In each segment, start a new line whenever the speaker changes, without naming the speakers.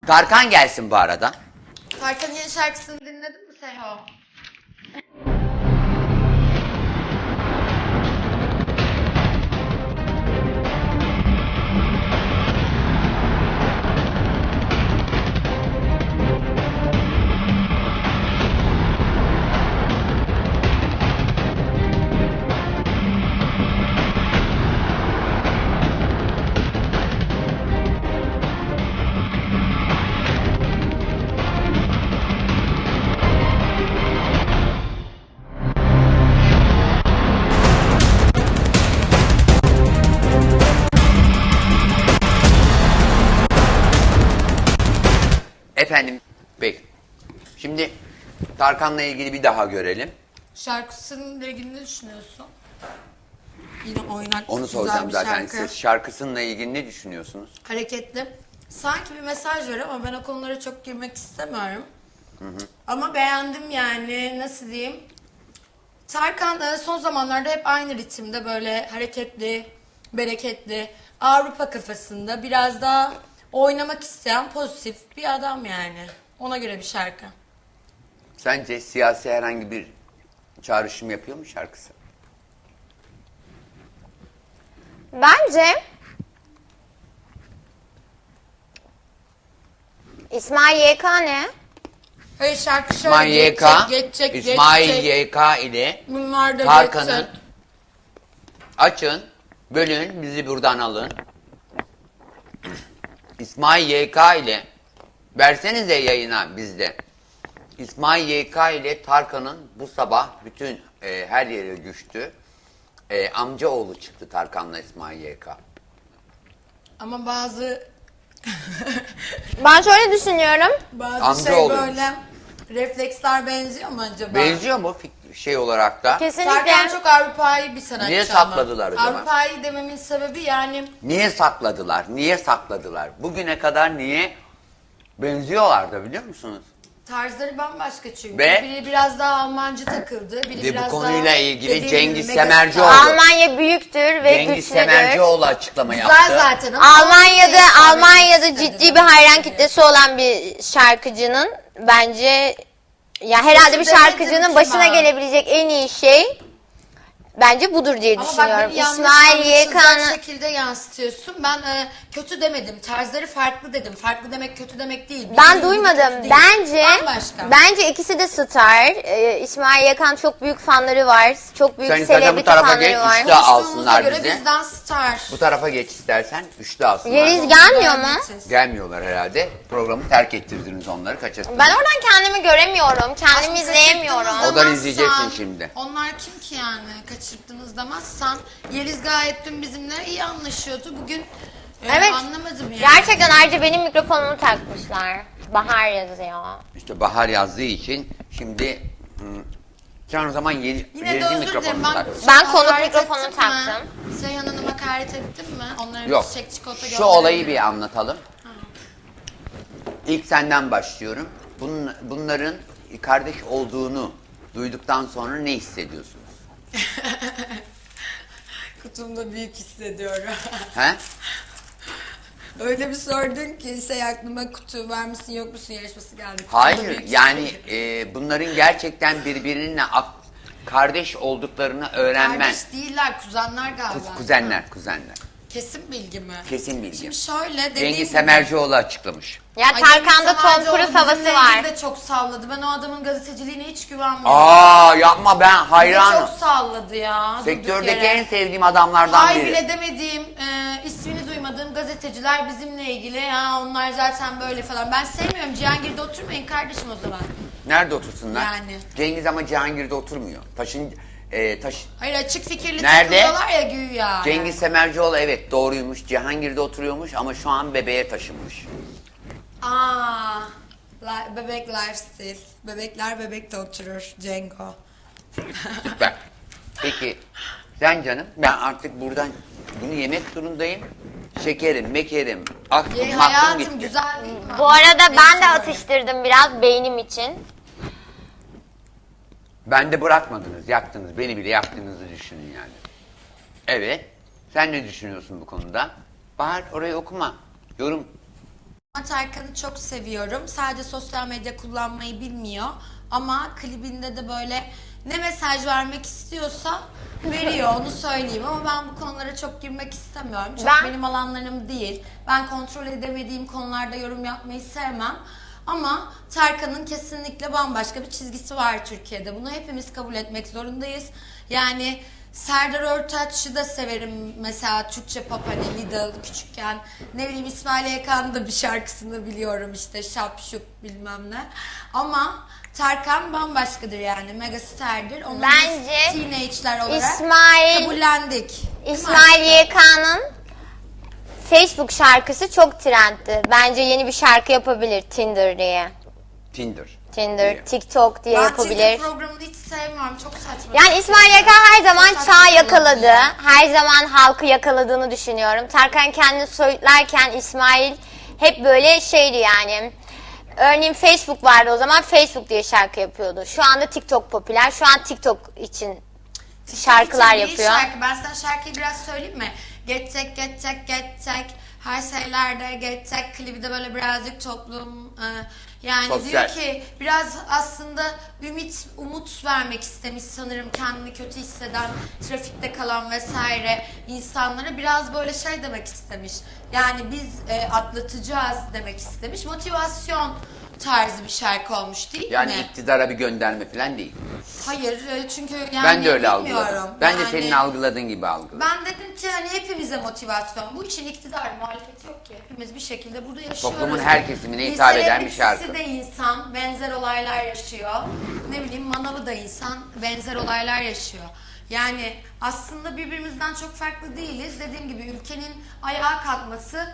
Tarkan gelsin bu arada.
Tarkan'ın yeni şarkısını dinledin mi Seho?
Efendim, peki. Şimdi Tarkan'la ilgili bir daha görelim.
Şarkısıyla ilgili ne düşünüyorsun? Yine oynak,
Onu
güzel
soracağım
bir
zaten.
şarkı.
Siz şarkısıyla ilgili ne düşünüyorsunuz?
Hareketli. Sanki bir mesaj var ama ben o konulara çok girmek istemiyorum. Ama beğendim yani, nasıl diyeyim. Tarkan son zamanlarda hep aynı ritimde, böyle hareketli, bereketli, Avrupa kafasında biraz daha oynamak isteyen pozitif bir adam yani. Ona göre bir şarkı.
Sence siyasi herhangi bir çağrışım yapıyor mu şarkısı?
Bence İsmail YK ne?
Hayır, şarkı şöyle
İsmail YK,
geçecek.
İsmail YK ile
Bunlar da
Tarkan'ı
geçecek.
açın, bölün, bizi buradan alın. İsmail YK ile versenize yayına bizde. İsmail YK ile Tarkan'ın bu sabah bütün her yere düştü. Amcaoğlu çıktı Tarkan'la İsmail YK.
Ama bazı
Ben şöyle düşünüyorum.
Amcaoğlu.
böyle refleksler benziyor mu acaba?
Benziyor mu şey olarak da?
Tarkan
Kesinlikle.
çok Avrupa'yı bir sanatçı.
Niye
ama.
sakladılar o zaman?
Avrupa'yı dememin sebebi yani
Niye sakladılar? Niye sakladılar? Bugüne kadar niye benziyorlardı biliyor musunuz?
tarzları bambaşka çünkü.
Ve-
Biri biraz daha Almancı takıldı. Biri
Ve bu
biraz
konuyla
daha
ilgili
dediğim
Cengiz
gibi
Semercioğlu.
megastar.
Almanya büyüktür ve
Cengiz
güçlüdür.
Semercioğlu açıklama
Güzel
yaptı.
zaten ama
Almanya'da
istedim.
ciddi bir hayran kitlesi olan bir şarkıcının bence ya herhalde bir
Demedim
şarkıcının
ki
başına
ben.
gelebilecek en iyi şey bence budur diye
Ama bak
düşünüyorum.
beni yanlış
İsmail
anlaşılacak
YK'nın
şekilde yansıtıyorsun. Ben kötü demedim. Tarzları farklı dedim. Farklı demek kötü demek değil.
ben
Biri
duymadım.
kötü değil. Bambaşka.
Bence ikisi de star. İsmail YK'nın çok büyük fanları var. Çok büyük
Sen istersen bu
selebriti
tarafa
fanları
geç,
var.
işte alsınlar
göre
bizi.
bizden star.
Bu tarafa geç istersen. Üçlü alsınlar.
Yeliz gelmiyor mu?
Gelmiyorlar herhalde. Programı terk ettirdiniz onları, kaçırdınız.
Ben oradan kendimi göremiyorum. Kendimi
Aslında
izleyemiyorum.
kaçırdınız
Odan
demezsen-
izleyeceksin şimdi.
Onlar kim ki yani? Kaçırdınız demezsen. Yeliz gayet dün bizimle iyi anlaşıyordu. Bugün
Evet.
anlamadım yani.
Gerçekten ayrıca benim mikrofonumu takmışlar. Bahar yazıyor.
İşte Bahar yazdığı için şimdi sen o zaman
Yine de
Yeliz'in
özür dilerim.
mikrofonunu tak.
Ben konuk
hakaret
mikrofonu
ettim mi?
taktım.
Seyhan Hanım'a hakaret ettin mi? Onlara
Yok.
bir çiçek çikolata
Şu
gönderelim.
olayı bir anlatalım. İlk senden başlıyorum. Bunların kardeş olduğunu duyduktan sonra ne hissediyorsunuz?
Kutumda büyük hissediyorum.
He?
Öyle bir sordun ki aklıma kutu var mısın yok musun yarışması geldi. Kutumda
Hayır,
büyük
yani
hissediyorum.
bunların gerçekten birbirine kardeş olduklarını öğrenmen.
Kardeş değiller, kuzenler galiba.
Kuzenler.
Kesin bilgi mi?
Kesin bilgi.
Şimdi şöyle dediğim
Cengiz
gibi-
Semercioğlu açıklamış.
Ya
Ay,
Tarkan'da
Cengiz
Tom
Semercioğlu
Cruise havası
bizimle
var.
ilgili de çok salladı. Ben o adamın gazeteciliğine hiç güvenmiyorum.
Aa yapma, ben
Bir de
hayranım.
çok salladı ya. durduk
Sektördeki
yere.
en sevdiğim adamlardan
Hay
biri.
bile demediğim, ismini duymadığım gazeteciler bizimle ilgili. Ya onlar zaten böyle falan. Ben sevmiyorum. Cihangir'de oturmayın kardeşim o zaman.
Nerede otursunlar?
Yani.
Cengiz ama Cihangir'de oturmuyor.
Hayır, açık fikirli
Nerede?
takılıyorlar ya güya.
Cengiz Semercioğlu evet doğruymuş. Cihangir'de oturuyormuş ama şu an bebeğe taşınmış.
Aa, bebek lifestyle. Bebekler bebekte oturur Cengo.
Süper. Peki sen canım, ben artık buradan bunu yemek zorundayım. Şekerim, mekerim, aklım
Hayatım
gitti.
güzel değil mi?
Bu arada ben
Neyse
de
böyle.
atıştırdım biraz beynim için.
Ben de bırakmadınız, yaktınız. Beni bile yaktığınızı düşünün yani. Evet. Sen ne düşünüyorsun bu konuda? Bahar, orayı okuma. Yorum.
Tarkan'ı çok seviyorum. Sadece sosyal medya kullanmayı bilmiyor. Ama klibinde de böyle ne mesaj vermek istiyorsa veriyor, onu söyleyeyim. Ama ben bu konulara çok girmek istemiyorum. Çok benim alanlarım değil. Ben kontrol edemediğim konularda yorum yapmayı sevmem. Ama Tarkan'ın kesinlikle bambaşka bir çizgisi var Türkiye'de. Bunu hepimiz kabul etmek zorundayız. Yani Serdar Ortaç'ı da severim mesela, Türkçe pop, hani Lidl küçükken. Ne bileyim, İsmail Yakan'ın da bir şarkısını biliyorum, işte şapşup bilmem ne. Ama Tarkan bambaşkadır yani, megastardır. Onu
Bence
biz teenage'ler olarak kabullendik.
İsmail YK'nın Facebook şarkısı çok trendti. Bence yeni bir şarkı yapabilir, Tinder diye. Tinder, TikTok diye yapabilir.
Ben Tinder programını hiç sevmiyorum. Çok saçma.
Yani İsmail YK her zaman çağ yakaladı. Her zaman halkı yakaladığını düşünüyorum. Tarkan kendini soyutlarken İsmail hep böyle şeydi yani. Örneğin Facebook vardı o zaman, Facebook diye şarkı yapıyordu. Şu anda TikTok popüler. Şu an TikTok için şarkılar yapıyor.
Şarkı. Ben sana şarkıyı biraz söyleyeyim mi? Get tek. Her şeylerde get tek. Klibi de böyle birazcık toplum... Yani
sosyal.
Diyor ki biraz aslında umut vermek istemiş sanırım, kendini kötü hisseden, trafikte kalan vesaire insanlara biraz böyle şey demek istemiş. Yani biz atlatacağız demek istemiş. Motivasyon tarzı bir şarkı olmuş değil
Yani
mi?
iktidara bir gönderme falan değil.
Hayır, çünkü yani
Ben de öyle
bilmiyorum.
algıladım. Ben de
Yani
senin algıladığın gibi algıladım.
ben dedim ki hani hepimize motivasyon. Bu için iktidar, muhalefet yok ki. Hepimiz bir şekilde burada yaşıyoruz.
Toplumun her kesimine hitap eden bir şarkı.
Bizlerin ikisi de insan, benzer olaylar yaşıyor. Ne bileyim, manavı da insan, benzer olaylar yaşıyor. Yani aslında birbirimizden çok farklı değiliz. Dediğim gibi ülkenin ayağa kalkması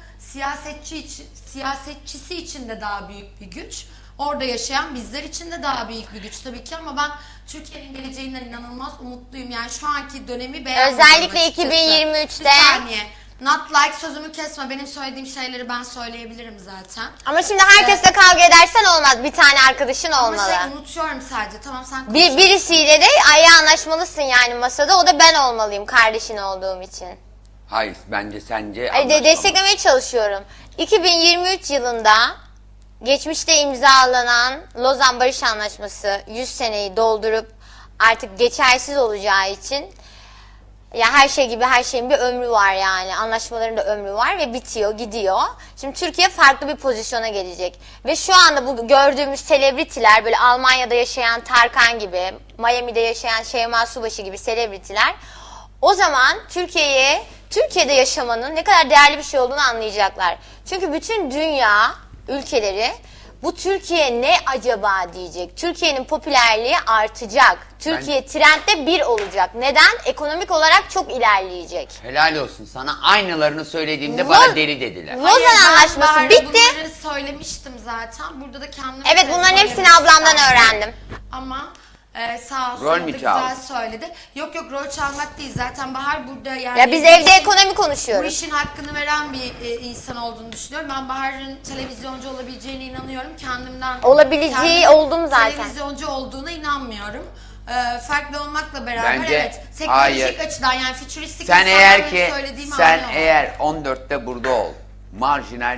siyasetçisi için de daha büyük bir güç. Orada yaşayan bizler için de daha büyük bir güç tabii ki, ama ben Türkiye'nin geleceğinden inanılmaz umutluyum. Yani şu anki dönemi beğenmiyorum.
Özellikle
açıkçası.
2023'te.
Bir saniye. Not like, sözümü kesme. Benim söylediğim şeyleri ben söyleyebilirim zaten.
Ama şimdi herkesle kavga edersen olmaz. Bir tane arkadaşın
Ama
olmalı.
unutuyorum sadece. Tamam, sen konuş.
Birisiyle de ayağa anlaşmalısın yani masada. O da ben olmalıyım kardeşin olduğum için.
Hayır, bence sence
Desteklemeye çalışıyorum. 2023 yılında geçmişte imzalanan Lozan Barış Anlaşması 100 seneyi doldurup artık geçersiz olacağı için, ya her şey gibi her şeyin bir ömrü var yani. Anlaşmaların da ömrü var ve bitiyor, gidiyor. Şimdi Türkiye farklı bir pozisyona gelecek. Ve şu anda bu gördüğümüz selebritiler, böyle Almanya'da yaşayan Tarkan gibi, Miami'de yaşayan Şeyma Subaşı gibi selebritiler, o zaman Türkiye'de yaşamanın ne kadar değerli bir şey olduğunu anlayacaklar. Çünkü bütün dünya ülkeleri bu Türkiye ne acaba diyecek. Türkiye'nin popülerliği artacak. Türkiye trendde bir olacak. Neden? Ekonomik olarak çok ilerleyecek.
Helal olsun sana. Aynılarını söylediğimde bana deli dediler.
Lozan Anlaşması bitti.
Bunları söylemiştim zaten. Burada da kendim...
Evet, bunların hepsini ablamdan öğrendim.
Ama sağ olsun,
Rol
o da
mü
güzel
çaldın?
söyledi. Yok rol çalmak değil. Zaten Bahar burada yani...
Ya biz
bu
evde
işin-
ekonomi
Bu
konuşuyoruz.
işin hakkını veren bir insan olduğunu düşünüyorum. Ben Bahar'ın televizyoncu olabileceğine inanıyorum.
Olabileceği oldum zaten.
Televizyoncu olduğuna inanmıyorum. Farklı olmakla beraber
Bence
evet. Teknolojik
hayır.
açıdan yani fütüristik
Sen
insanların
eğer ki
söylediğimi
sen
anlıyorum.
eğer 14'te burada ol. Marjinal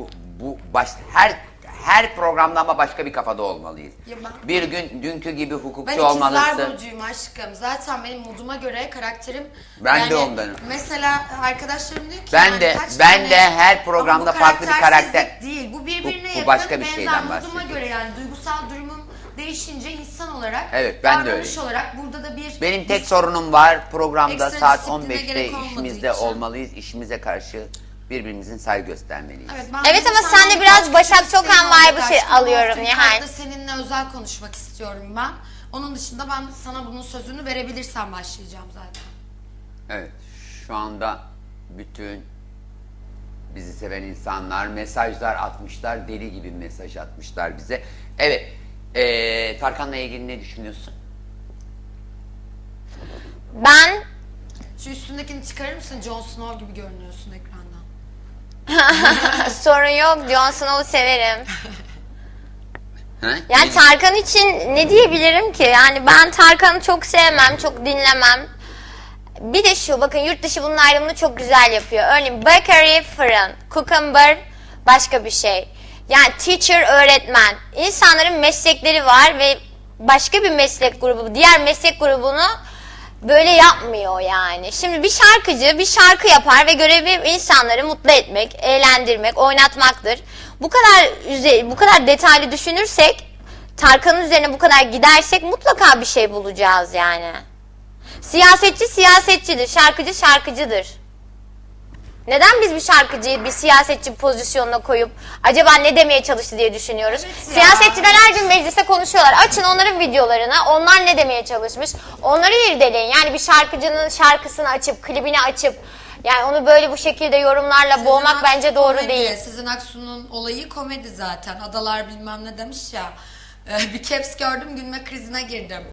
her programda ama başka bir kafada olmalıyız.
Ya
Bir gün dünkü gibi hukukçu
Ben ikizler
olmalısın.
burcuyum aşkım. Zaten benim moduma göre karakterim...
Ben de ondanım.
Mesela arkadaşlarım diyor ki...
Ben
yani
de-
kaç
ben
tane-
de her
Ama
programda
bu
farklı bir karakter-
karaktersizlik değil. Bu birbirine
Bu
yakın,
başka bir
benzer
şeyden
moduma
bahsediyorum.
göre yani duygusal durumum değişince insan olarak...
Evet, ben de
davranış
öyleyim.
olarak burada da bir...
Benim tek sorunum var. Programda
Ekstra
saat
disipline
15'te
gerek olmadığı
işimizde
için.
olmalıyız. İşimize karşı birbirimizin saygı göstermeliyiz.
Evet, ama
senden
sen de biraz
birkaç
Başak
isteğim
Çokan
oldu
vibe'ı
aşkım.
alıyorum
Ama
Nihal.
Afrika'da seninle özel konuşmak istiyorum ben. Onun dışında ben sana bunun sözünü verebilirsem başlayacağım zaten.
Evet, şu anda bütün bizi seven insanlar mesajlar atmışlar, deli gibi mesaj atmışlar bize. Evet, Tarkan'la ilgili ne düşünüyorsun?
Ben
Şu üstündekini çıkarır mısın? Jon Snow gibi görünüyorsun ekranda.
sorun yok, Jon Snow'u severim.
He?
Yani Tarkan için ne diyebilirim ki? Yani ben Tarkan'ı çok sevmem, çok dinlemem. Bir de şu, bakın yurt dışı bunun ayrımını çok güzel yapıyor. Örneğin bakery, fırın, cucumber, başka bir şey. Yani teacher, öğretmen. İnsanların meslekleri var ve başka bir meslek grubu, diğer meslek grubunu böyle yapmıyor yani. Şimdi bir şarkıcı bir şarkı yapar ve görevi insanları mutlu etmek, eğlendirmek, oynatmaktır. Bu kadar detaylı düşünürsek, Tarkan'ın üzerine bu kadar gidersek mutlaka bir şey bulacağız yani. Siyasetçi siyasetçidir, şarkıcı şarkıcıdır. Neden biz bir şarkıcıyı bir siyasetçi pozisyonuna koyup acaba ne demeye çalıştı diye düşünüyoruz?
Evet ya.
Siyasetçiler her gün mecliste konuşuyorlar. Açın onların videolarını. Onlar ne demeye çalışmış? Onları irdeleyin. Yani bir şarkıcının şarkısını açıp, klibini açıp yani onu böyle bu şekilde yorumlarla boğmak
Sezen
bence
Aksu
doğru
komedi.
değil.
Sezen Aksu'nun olayı komedi zaten. Adalar bilmem ne demiş ya. Bir caps gördüm, gülme krizine girdim.